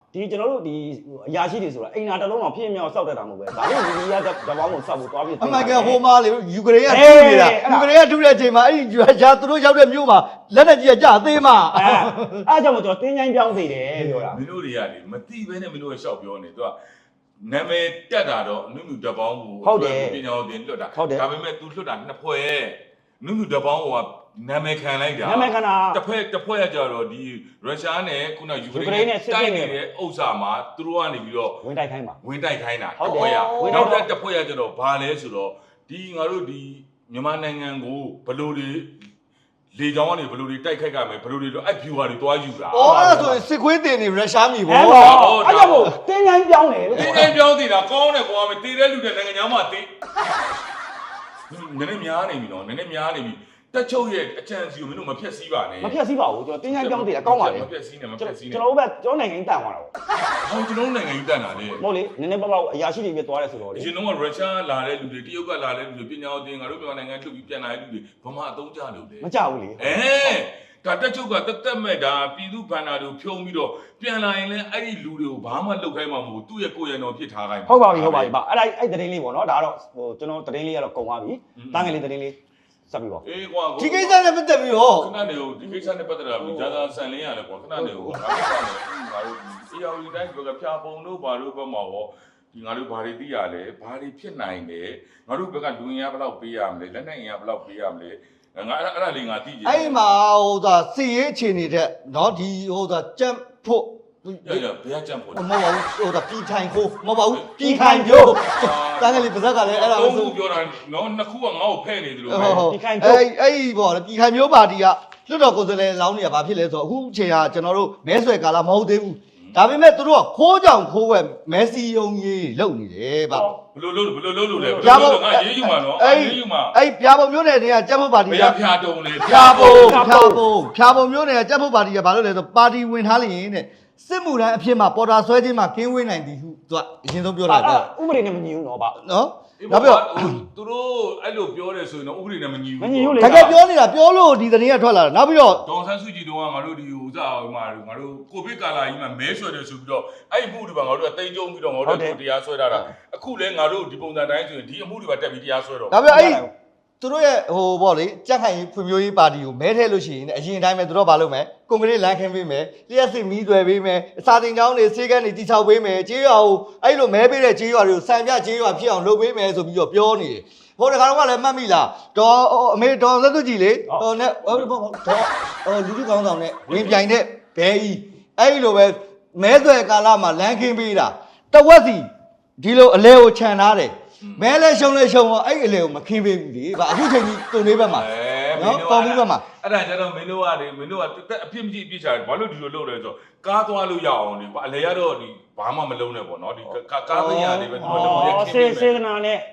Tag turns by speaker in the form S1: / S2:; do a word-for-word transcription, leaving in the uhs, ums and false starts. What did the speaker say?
S1: ဒီကျွန်တော်တို့ဒီအရာရှိတွေဆိုတာအိမ်နာတစ်လုံးတော့ဖြစ်မြောက်စောက်တတ်တာမဟုတ်ပဲဒါလို့ဒီကတပေါင်းကိုစောက်ဖို့သွားပြီး
S2: အမှန်ကဟိုမှာလေယူကရိန်းကတူနေတာယူကရိန်းကတူတဲ့အချိန်မှာအဲ့ဒီဂျာသူတို့ရောက်တဲ့မြို့မှာလက်နဲ့ကြီးကကြာသေးမှာ
S1: အဲအဲ့ကြောင့်မကျွန်တော်တင်းချိုင်းပြောင်းသေးတယ်ပြောတာ
S3: မင်းတို့တွေကလေမတိဘဲနဲ့မင်းတို့ကရှောက်ပြောနေသူကနာမည်တက်တာတော့နုနုတပေါင်းကိုပညာတော်တင်လွတ်တာဒါပေမဲ့ तू လွတ်တာနှစ်ဖွဲ့နုနုတပေါင်းကနာမည်ခံလိုက်တာ
S1: နာမည်ခံတာ
S3: တစ်ဖက်တစ်ဖွဲ့ကကြတော့ဒီရုရှားနဲ့ခုနယူကရိန်းနဲ့တိုက်နေတဲ့ဥစ္စာမှာသူတို့ကနေပြီးတော့
S1: ဝင်တိုက်ခိုင်းပါ
S3: ဝင်တိုက်ခိုင်းတာတစ်ဖွဲ့ကနောက်တစ်တစ်ဖွဲ့ကကြတော့ဘာလဲဆိုတော့ဒီငါတို့ဒီမြန်မာနိုင်ငံကိုဘလို့တွေလေကြောင်းကနေဘလို့တွေတိုက်ခိုက်ကြမယ်ဘလို့တွေတော့အဖြူဟာတွေတွားယူတာ
S2: အော်အဲ့ဒါဆိုရင်စစ်ခွေးတင်နေရုရှားမြေပေါ့
S1: အဲ့ဒါကိုတင်းချိုင်းပြောင်းတယ်
S3: တင်းချိုင်းပြောင်းနေတာကောင်းတယ်ကွာမတည်တဲ့လူတွေနိုင်ငံသားမှတည်နည်းနည်းများနေပြီနော်နည်းနည်းများနေပြီတက်ချုပ်ရဲ့အချမ်းစီကိုမင်းတို့မဖြက်စီးပါနဲ့
S1: မဖြက်စီးပါဘူးကျွန်တော်တင်းချိုင်းပြောင်းသေးတယ်အကောင်းပါလေ
S3: မဖြက်စီးနဲ့မဖြက်စီးနဲ့
S1: ကျွန်တော်တို့ကကျွန်တော်နိုင်ငံကြီးတန်သွားတာပေါ့
S3: ဟောကျွန်တော်နိုင်ငံကြီးတန်တာလေ
S1: မဟုတ်လေနည်းနည်းပေါ့ပေါ့အရာရှိတွေပြသွားတယ်ဆိုတော့လေ
S3: အရင်တော့ရုရှားလာတဲ့လူတွေတရုတ်ကလာတဲ့လူတွေပညာတော်တင်ငါတို့မြန်မာနိုင်ငံလှုပ်ပြီးပြန်လာတဲ့လူတွေဗမာအသုံးချလို့လေ
S1: မကြဘူးလေ
S3: အဲဒါတက်ချုပ်ကတက်တက်မဲ့ဒါပြည်သူဘန္နာတို့ဖြုံးပြီးတော့ပြန်လာရင်လည်းအဲ့ဒီလူတွေကိုဘာမှလုပ်ခိုင်းမှာမဟုတ်သူ့ရဲ့ကိုယ်ရံတော်ဖြစ်ထားခိုင်း
S1: ဟုတ်ပါပြီဟုတ်ပါပြီဗျအဲ့ဒါအဲ့တရင်လေးပေါ့နော်ဒါကတော့ဟိုကျွန်တော်တရင်လေးကတော့ကုန်သွားပြီတန်းငယ်လေးတရင်လေးဆက်ပြီးပေါ့
S3: အေးကွာ
S2: ဒီကိစ္စနဲ့ပတ်သက်ပြီးတော့
S3: ခဏနေဦးဒီကိစ္စနဲ့ပတ်သက်တာပြီးဂျာသာဆန်လင်းရတယ်ကွာခဏနေဦးငါတို့ကလည်းငါတို့အေးအောင်ဒီတိုင်းဘက်ကဖြာပုံတို့ဘာတို့ဘက်မှာရောဒီငါတို့ဘာတွေသိရလဲဘာတွေဖြစ်နိုင်လဲငါတို့ဘက်ကလူငင်ရဘယ်လောက်ပေးရမလဲလက်နဲ့ငင်ရဘယ်လောက်ပေးရမလဲငါအဲ့အဲ့ဒါလေးငါသိကြ
S2: တယ်အဲ့မှာဟိုသာစီရေးအခြေနေတဲ့နော်ဒီဟိုသာကြက်ဖို့
S3: ရရဘယ်ကကြံဖို့
S2: မဟုတ်ပါဘူးဟိုဒါပြည်ထိုင်ခိုးမဟုတ်ပါဘူးပြည်ခိုင်ပြောတန်းကလေးပါဇက်ကလည်းအဲ့ဒါ
S3: လို့ဆိုပြောတာနော်နှစ်ခုကငါ့ကိုဖဲ့နေတယ်လို့ပဲ
S1: ပြည်ခိုင်ပြော
S2: အဲ့အဲ့ပေါ့လေပြည်ခိုင်မျိုးပါတီကလွတ်တော်ကိုယ်စားလှယ်လောင်းနေတာဘာဖြစ်လဲဆိုတော့အခုအချိန်ကကျွန်တော်တို့မဲဆွယ်ကာလမဟုတ်သေးဘူးဒါပေမဲ့သူတို့ကခိုးကြောင်ခိုးဝက်မဲစီယုံကြီးလုပ်နေတယ်ဗျ
S3: ဘလို့လို့ဘလို့လို့လို့လဲဘလို့လို့ငါရေးယူမှာနော်
S2: ရေးယူမှာအဲ့ပြာပုံမျိုးနယ်တွေကကြက်ဖို့ပါတီက
S3: ဖြာတုံလေ
S2: ဖြာပုံဖြာပုံဖြာပုံမျိုးနယ်ကကြက်ဖို့ပါတီကဘာလို့လဲဆိုပါတီဝင်ထားလျင်တဲ့စစ်မှုတိုင်းအဖြစ်မှာပေါ်တာဆွဲခြင်းမှာကင်းဝေးနိုင်သည်ဟုသူကအရင်ဆုံးပြောတာက
S1: ဥပဒေနဲ့မညီဘူးနော်ဗျ
S2: နော်
S3: နောက်ပြီးတော့သူတို့အဲ့လိုပြောတယ်ဆိုရင်တော့ဥပဒေနဲ့မညီဘူး
S1: မညီဘူးလေ
S2: တကယ်ပြောနေတာပြောလို့ဒီသတင်းကထွက်လာတာနောက်ပြီးတော့
S3: ဒေါ်ဆန်းစုကြည်တို့ကငါတို့ဒီဥစားဟိုမှာငါတို့ကိုဗစ်ကာလာကြီးမှာမဲဆွဲတယ်ဆိုပြီးတော့အဲ့အမှုတွေပါငါတို့ကတိန်ကြုံပြီးတော့ငါတို့တရားဆွဲတာအခုလဲငါတို့ဒီပုံစံတိုင်းဆိုရင်ဒီအမှုတွေပါတက်ပြီးတရားဆွဲတော့
S2: နောက်ပြီးအဲ့သူတို့ရဲ့ဟိုပေါ့လေကြက်ခိုင်ဖွံ့ဖြိုးရေးပါတီကိုမဲထဲလို့ရှိရင်အရင်တိုင်းပဲသူတို့ဘာလုပ်မလဲကွန်ကရစ်လမ်းခင်းပေးမယ်လျှက်စစ်မီးသွယ်ပေးမယ်အစာတင်ကျောင်းတွေဆေးကန်းတွေတိချောက်ပေးမယ်ကြေးရွာကိုအဲ့လိုမဲပေးတဲ့ကြေးရွာတွေကိုစံပြကြေးရွာဖြစ်အောင်လုပ်ပေးမယ်ဆိုပြီးတော့ပြောနေတယ်ဟိုတခါတော့ကလည်းမှတ်မိလားဒေါ်အမေဒေါ်သက်သူကြည်လေဟိုနဲ့ဟိုဒေါ်ဟိုလူလူကောင်းဆောင်နဲ့ဝင်ပြိုင်တဲ့ဘဲကြီးအဲ့လိုပဲမဲသွယ်ကာလမှာလမ်းခင်းပေးတာတဝက်စီဒီလိုအလဲကိုခြံထားတယ်မဲလဲရှုံလဲရှုံတော့အဲ့အလေကိုမခင်းပေးဘူးလေဗျအခုချိန်ကြီးတုံလေးဘက်မှာနော်ပေါ်ဘူးဘက်မှာ
S3: အဲ့ဒါကျတော့မင်းတို့ကနေမင်းတို့ကအဖြစ်မကြည့်အပြစ်ချတယ်ဘာလို့ဒီလိုလုပ်လဲဆိုတော့ကားသွားလို့ရအောင်လေကွာအလေရတော့ဒီဘာမှမလုံးနဲ့ပေါ့နော်ဒီကားသိညာလေးပဲသူတို့လုပ်ရခင်းပေးမယ်
S1: စေစေနာနဲ့